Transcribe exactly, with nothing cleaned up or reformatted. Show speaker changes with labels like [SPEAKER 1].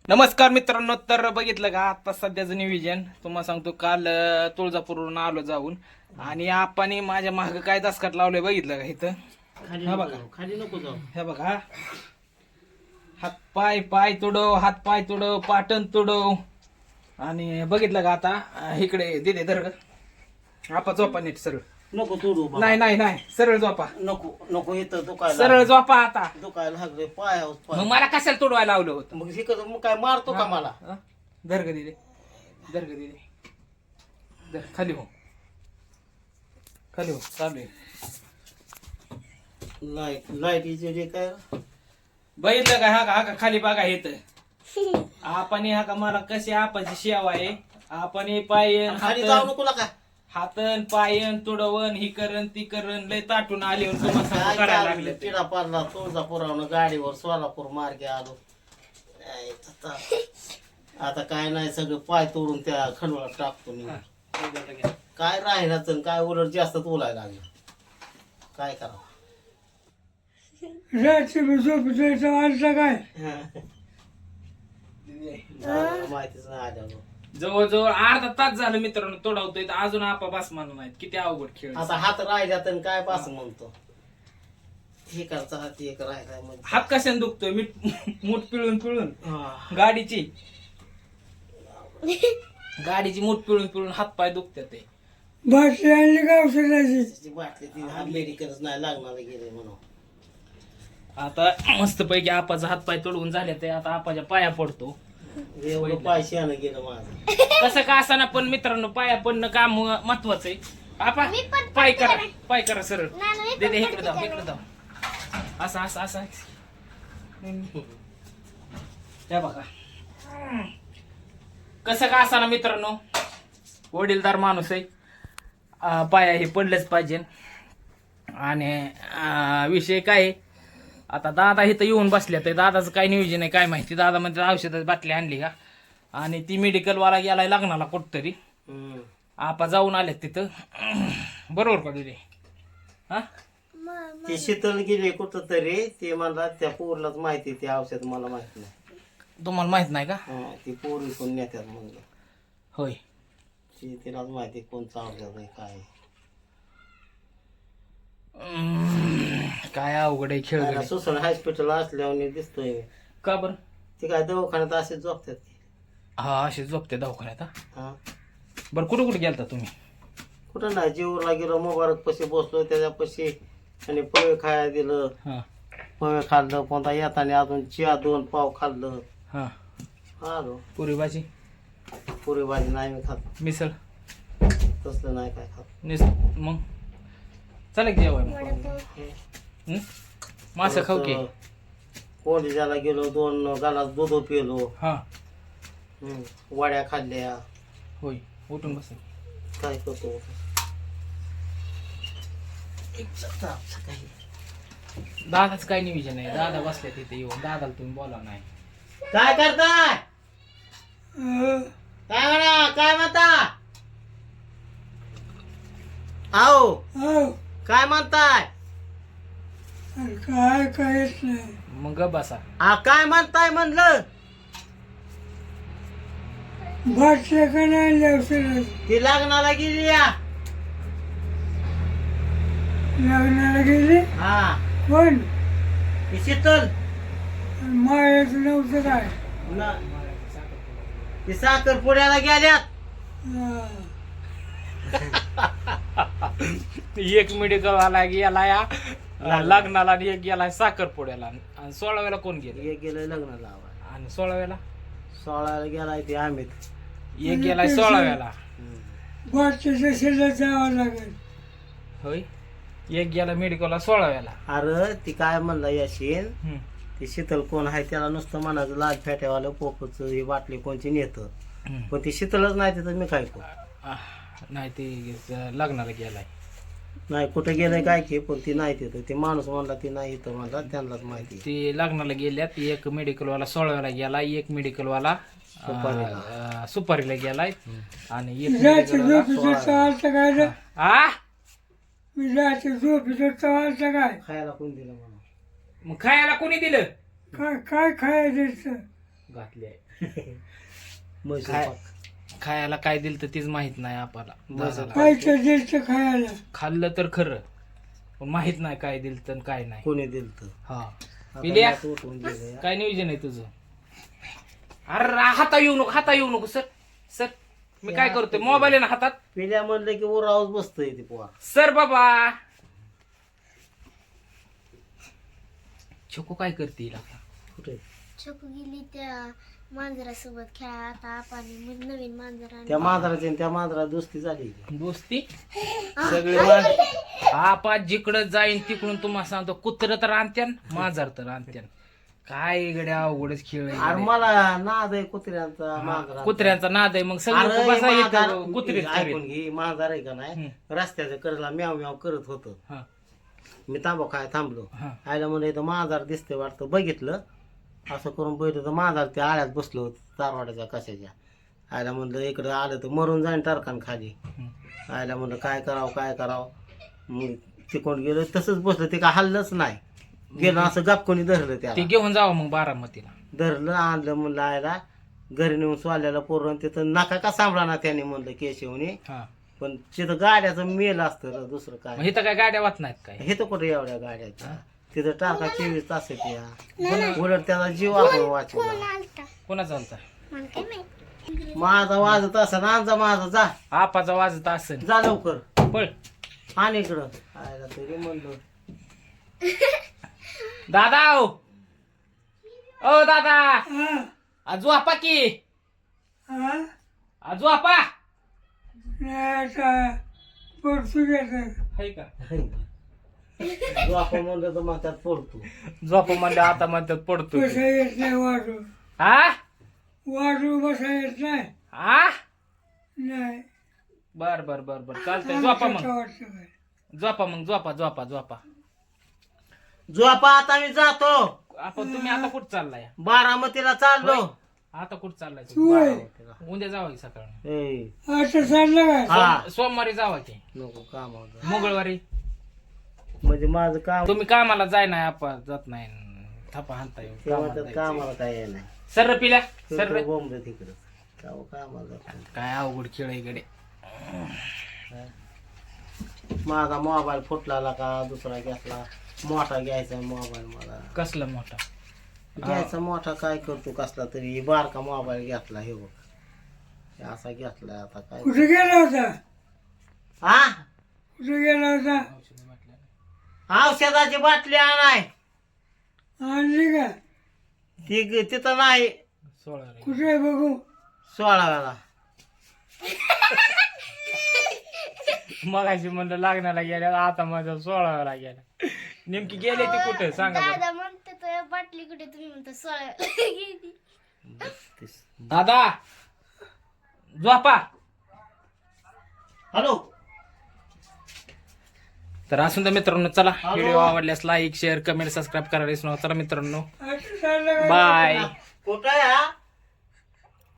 [SPEAKER 1] नमस्कार मित्रांनो, तर बघितलं का आता सध्याचं नियोजन तुम्हाला सांगतो. काल अं, तुळजापूरवरून आलो जाऊन आणि आपण माझ्या माग काय दसकाट लावलंय बघितलं का इथं.
[SPEAKER 2] खाली
[SPEAKER 1] हा
[SPEAKER 2] नको
[SPEAKER 1] बघा.
[SPEAKER 2] जाऊ, खाली नको जाऊ.
[SPEAKER 1] हे बघा, हात पाय पाय तुडव, हात पाय तुडव, पाटण तुडव. आणि बघितलं का आता अं, इकडे दिले दर आपा झोपा नीट सरळ.
[SPEAKER 2] नको तोडू बाबा.
[SPEAKER 1] नाही नाही नाही सरळ झोपा,
[SPEAKER 2] नको नको इथं दुखायला
[SPEAKER 1] सरळ झोपा आता.
[SPEAKER 2] दुखायला लागले पायावर
[SPEAKER 1] मग
[SPEAKER 2] पाय.
[SPEAKER 1] मला कशाला तुडवायला लावलं होतं.
[SPEAKER 2] मग हे कसं मग काय मारतो का मला?
[SPEAKER 1] हा? दर्ग दिले दर्ग दिले दर खाली हो, खाली हो, चालू आहे.
[SPEAKER 2] लाईट लाईटीचे जे काय
[SPEAKER 1] बघितलं का हा का हा का खाली बघा येत आपण हा का मला कशी आपाची शेवा आहे. आपण हे पायन
[SPEAKER 2] खाली जाऊ
[SPEAKER 1] हातन
[SPEAKER 2] नको का
[SPEAKER 1] हातन पायन तुडवन ही करण ती करण लय ताटून आले तुम्हाला सांगू करायला लागले ते.
[SPEAKER 2] पिढा पारला तुळजापुरावरून गाडीवर सोलापूर मार्गे आलो. काय आता आता काय नाही सगळं पाय तोडून त्या खंडोळात टाकतो मी. काय राहिलाच आणि काय उलट जास्त तोलायला लागलं. काय करावं? काय माहितीच नाही आल्यावर.
[SPEAKER 1] जवळजवळ अर्धा तास झालं मित्रांनो तोडावतोय, तर अजून आपा बस म्हणून नाहीत. किती अवघड खेळ.
[SPEAKER 2] आता हात राहिल्यात आणि काय पास म्हणतो. हे करता हात एक राहिलाय म्हणजे
[SPEAKER 1] हात कशाने दुखतोय? मीठ मूठ पिळून पिळून
[SPEAKER 2] हा.
[SPEAKER 1] गाडीची गाडीची मूठ पिळून पिळून हात पाय दुखतात ते.
[SPEAKER 2] बाटली आणली का औषधाची? त्याची बाटली ती हा मेडिकलच नाही लागणार गेले म्हणून.
[SPEAKER 1] आता मस्त पैकी आपाचा हात पाय तोडवून झाले ते आता आपाच्या पाया पडतो.
[SPEAKER 2] एवढं पैसे आणलं गेलं माझं.
[SPEAKER 1] कसं का असाना पण मित्रांनो, पाया पडणं काम महत्वाचं आहे. आपा पाय करा, पाय करा सरळ. दे दे इकडे जाऊ, इकडे जाऊ. असं असं असं त्या बघा. कसं का असाना मित्रांनो, वडीलधार माणूस आहे. अं, पाया हे पडलंच पाहिजे. आणि अं, विषय काय आहे, आता दादा इथं येऊन बसल्या तर दादाचं काय नियोजन आहे काय माहिती. दादा म्हणजे औषधाची बाटली आणली का आणि ती मेडिकलवाला गेलाय लग्नाला कुठतरी.
[SPEAKER 2] हम्म.
[SPEAKER 1] आपा जाऊन आल्यात तिथं. बरोबर का तुझे? हा
[SPEAKER 2] ते शीतल गेले कुठं तरी. ते मला त्या पोरलाच माहिती ते औषध मला माहित नाही.
[SPEAKER 1] तुम्हाला माहित नाही का?
[SPEAKER 2] हा, ती पोर कोण नेत्यात म्हणलं.
[SPEAKER 1] होय.
[SPEAKER 2] ती तिलाच माहिती कोणचं औषध आहे काय आहे.
[SPEAKER 1] हम्म, काय अवघड आहे खेळ गड्या.
[SPEAKER 2] सुसण हॉस्पिटल असल्यावर दिसतोय मी.
[SPEAKER 1] का बरं?
[SPEAKER 2] ते काय दवाखान्यात असे झोपतात ते.
[SPEAKER 1] हा असे झोपते दवाखान्यात. हा?
[SPEAKER 2] हा
[SPEAKER 1] बरं कुठं कुठे गेलता तुम्ही?
[SPEAKER 2] कुठं नाही जीवला गेलो मुबारक पशी बसलो त्याच्यापाशी आणि पोहे खायला दिलं.
[SPEAKER 1] हा
[SPEAKER 2] पोहे खाल्लं कोणता येताना अजून चिया दोन पाव खाल्लं.
[SPEAKER 1] हा
[SPEAKER 2] आलो.
[SPEAKER 1] पुरी भाजी
[SPEAKER 2] पुरी भाजी नाही मी खात.
[SPEAKER 1] मिसळ
[SPEAKER 2] तसलं नाही काय खात.
[SPEAKER 1] निस मग चला की जेवाय मग. हं? मासं खाऊ की.
[SPEAKER 2] कोंडीच्याला गेलो दोन गालास दूध पिलो.
[SPEAKER 1] हा
[SPEAKER 2] हम्म. वड्या खाल्ल्या.
[SPEAKER 1] होय. उठून बस.
[SPEAKER 2] काय करतो
[SPEAKER 1] दादाच काय नियोजन आहे. दादा बसल्या तिथे येऊन. दादाला तुम्ही बोला नाही.
[SPEAKER 2] काय करताय? काय म्हणा काय म्हणता? आओ काय म्हणताय?
[SPEAKER 3] काय काहीच नाही.
[SPEAKER 1] मग गप बसा.
[SPEAKER 2] हा काय म्हणताय म्हणलं?
[SPEAKER 3] बाटल्या का नाही औषध
[SPEAKER 2] ती लग्नाला गेली या.
[SPEAKER 3] लग्नाला गेली.
[SPEAKER 2] हा
[SPEAKER 3] कोण?
[SPEAKER 2] ती शीतल.
[SPEAKER 3] मायाचं नव्हतं काय.
[SPEAKER 2] न- ती साखरपुड्याला गेल्यात.
[SPEAKER 3] हा.
[SPEAKER 1] एक मेडिकल वाला गेला या लग्नाला आणि एक गेला साखरपुड्याला. आणि सोळाव्याला कोण गेले?
[SPEAKER 2] एक गेलं लग्नाला लावायला.
[SPEAKER 1] आणि सोळाव्याला
[SPEAKER 2] सोळाला गेलाय ते अमित.
[SPEAKER 1] एक गेलाय सोळाव्याला.
[SPEAKER 3] बाटल्याच्या शेतात जावं लागेल.
[SPEAKER 1] होय. एक गेला मेडिकलला सोळाव्याला.
[SPEAKER 2] अरे ती काय म्हणला याशीन
[SPEAKER 1] हम्म.
[SPEAKER 2] ती शीतल कोण आहे त्याला नुसतं म्हणायचं लाज फेट्यावालं पोपच ही बाटली कोणची नेतं.
[SPEAKER 1] हम्म.
[SPEAKER 2] पण ती शीतलच नाही तिथं मी काय करू.
[SPEAKER 1] आह, नाही ते लग्नाला गेलाय.
[SPEAKER 2] नाही कुठे गेलंय काय की पण ती नाही तिथं. ती माणूस म्हणला ती नाही इथं म्हणला त्यांनाच माहिती.
[SPEAKER 1] ते लग्नाला गेल्यात. एक मेडिकलवाला सोळाव्याला गेला, एक मेडिकलवाला
[SPEAKER 2] सुपारीला.
[SPEAKER 1] सुपारीला गेलाय आणि एक
[SPEAKER 3] जायचं
[SPEAKER 1] मेडिकलवाला
[SPEAKER 3] झोपीचं चालतं काय रे?
[SPEAKER 1] आ
[SPEAKER 3] मी जायचं झोपीचं चालतं काय?
[SPEAKER 2] खायला कोण दिलं म्हणून.
[SPEAKER 1] मग खायला कोणी दिलं?
[SPEAKER 3] काय काय खायचं?
[SPEAKER 1] घातली आहे
[SPEAKER 2] म्हैसूर
[SPEAKER 1] काय?
[SPEAKER 2] पाक
[SPEAKER 1] खायला काय दिलं तर तीच माहित नाही आपल्याला
[SPEAKER 2] म्हैसूर
[SPEAKER 1] दादाला.
[SPEAKER 3] काय तर द्यायचं खायला.
[SPEAKER 1] खाल्लं तर खरं पण माहित नाही काय दिलं तर काय नाही.
[SPEAKER 2] कोणी दिलं
[SPEAKER 1] हा
[SPEAKER 2] तर
[SPEAKER 1] पिल्या
[SPEAKER 2] उठून गेलं
[SPEAKER 1] काय नियोजन आहे तुझं? अरे हाता येऊ नको, हाता येऊ नको सर. सर मी काय करतोय, मोबाईल आहे ना हातात.
[SPEAKER 2] पिल्या म्हणलं की उरावच बसतंय ती पोहा.
[SPEAKER 1] सर बाबा छोको काय करते हिला?
[SPEAKER 2] कुठे
[SPEAKER 4] छोकू गेली त्या मांजरासोबत खेळा. आता आपण मग नवीन मांजर आणलं.
[SPEAKER 2] त्या मांजराची आणि त्या मांजरा दोस्ती झाली की.
[SPEAKER 1] दोस्ती सगळे मांजर आपा जिकडं जाईन तिकडून तुम्हाला सांगतो कुत्र तर आणत्यान मांजर तर आणत्यान. काय गड्या अवघडच खेळ आहे
[SPEAKER 2] अरे
[SPEAKER 1] गड्या.
[SPEAKER 2] मला नाद आहे कुत्र्यांचा
[SPEAKER 1] हा,
[SPEAKER 2] मांजरा.
[SPEAKER 1] कुत्र्यांचा नाद आहे मग
[SPEAKER 2] अरे
[SPEAKER 1] सगळं बसा
[SPEAKER 2] मांजर-
[SPEAKER 1] इथं कुत्रीच
[SPEAKER 2] ऐकून
[SPEAKER 1] करीत.
[SPEAKER 2] घे मांजर आहे का नाही
[SPEAKER 1] हम्म.
[SPEAKER 2] रस्त्याच्या कडेला म्याव म्याव करत होतं.
[SPEAKER 1] हा,
[SPEAKER 2] मी तांबा काय थांबलो.
[SPEAKER 1] हा.
[SPEAKER 2] आयला म्हणलं इथं मांजर दिसते वाटतं, बघितलं असं करून बघितलं तर मांजर त्या आळ्यात बसलो होतं तारवाड्याच्या कशाच्या. आयला म्हणलं इकडं आलं तर मरून जाईन टारखान खाली.
[SPEAKER 1] हम्म.
[SPEAKER 2] आयला म्हणलं काय करावं काय करावं. मग तिकडून गेलो तसंच बसलं, ते काय हल्लंच नाही. गेलं असं गपकोनी धरलं
[SPEAKER 1] ते
[SPEAKER 2] त्याला,
[SPEAKER 1] घेऊन जावं मग बारामतीला.
[SPEAKER 2] धरलं आणलं म्हणलं आयला घरी नेऊन स्वाल्याला पोरण तिथं नका का सांभाळा ना त्याने म्हणलं केशवने.
[SPEAKER 1] हा
[SPEAKER 2] पण तिथं गाड्याचं मेल असतं रे, दुसरं
[SPEAKER 1] मग
[SPEAKER 2] काय.
[SPEAKER 1] इथं काय गाड्या वाच नाहीत काय?
[SPEAKER 2] हे तर कुठे एवढ्या गाड्याच्या तिथं टाका चोवीस तास या उलट त्याचा जीव आपण वाचवला.
[SPEAKER 1] कोणा चालता?
[SPEAKER 4] मला काय माहित.
[SPEAKER 2] माझा वाजत असं आणजा माझा जा
[SPEAKER 1] आपाचा वाजत असेल
[SPEAKER 2] जा लवकर
[SPEAKER 1] पळ.
[SPEAKER 2] आणि इकडं आयला तरी म्हणलो
[SPEAKER 1] दादा ओ ओ दादा
[SPEAKER 3] हा
[SPEAKER 1] आजू आपा की
[SPEAKER 3] हा
[SPEAKER 1] आजू आपा
[SPEAKER 3] नाही आता पोर्तुगीज
[SPEAKER 1] हाय का?
[SPEAKER 2] जो आपण म्हणलं तर मग त्यात पडतो.
[SPEAKER 1] झोप म्हणलं आता म्हणतात पडतो.
[SPEAKER 3] बसा येत नाही वाजू.
[SPEAKER 1] हा
[SPEAKER 3] वाजू बसा येत नाही.
[SPEAKER 1] हा
[SPEAKER 3] नाही
[SPEAKER 1] बर बर बर बर चालतंय. झोपा
[SPEAKER 3] आमचं
[SPEAKER 1] मग
[SPEAKER 3] वाटतं काय.
[SPEAKER 1] झोपा मग झोपा झोपा झोपा.
[SPEAKER 2] जो आपण आता मी जातो
[SPEAKER 1] आपण तुम्ही आता कुठं चाललाय?
[SPEAKER 2] बारामतीला चाललो.
[SPEAKER 1] आता कुठं चाललाय तुम्ही?
[SPEAKER 3] तू आहे.
[SPEAKER 1] उद्या जावा की सकाळ.
[SPEAKER 2] ए,
[SPEAKER 3] आता चाललं काय.
[SPEAKER 2] हा
[SPEAKER 1] सोमवारी जावा की
[SPEAKER 2] नको कामावर
[SPEAKER 1] मंगळवारी.
[SPEAKER 2] म्हणजे माझं काम
[SPEAKER 1] तुम्ही कामाला जाय नाही आपण जात नाही थापा हाणता येऊ
[SPEAKER 2] ते म्हणतात कामाला काय आहे नाही.
[SPEAKER 1] सर पिल्या सर.
[SPEAKER 2] बोंबलं तिकडं काव कामाला जातो.
[SPEAKER 1] काय अवघड खेळ आहे गडे.
[SPEAKER 2] माझा मोबाईल फुटला का दुसरा घेतला. मोठा घ्यायचा मोबाईल मला.
[SPEAKER 1] कसला मोठा?
[SPEAKER 2] घ्यायचा मोठा काय करतो कसला तरी. बारका मोबाईल घेतला हे बघ हे असा घेतला. आता काय
[SPEAKER 3] कुठे गेला होता.
[SPEAKER 2] हा
[SPEAKER 3] कुठे गेला होता.
[SPEAKER 2] औषधाची बाटली आणाय
[SPEAKER 3] आणली का.
[SPEAKER 2] ती ग- तिथं नाही.
[SPEAKER 1] सोळा रे.
[SPEAKER 3] कुठे आहे बघू.
[SPEAKER 2] सोळाव्याला
[SPEAKER 1] मगाशी म्हणलं लागण्याला गेल्या आता माझ्या सोळाव्याला गेल्या. नेमकी गेले ती कुठे सांगा बरं.
[SPEAKER 4] दादा म्हणते तो बाटली कुठे, तुम्ही म्हणता सोळा गेली.
[SPEAKER 1] दादा झोपा.
[SPEAKER 2] हॅलो
[SPEAKER 1] तर असून तर मित्रांनो चला
[SPEAKER 2] हॅलो.
[SPEAKER 1] व्हिडिओ आवडल्यास लाईक शेअर कमेंट सबस्क्राईब करायला विसरू नका. चला मित्रांनो
[SPEAKER 3] आता चाललं काय.
[SPEAKER 1] बाय.
[SPEAKER 2] कुठं आहे हा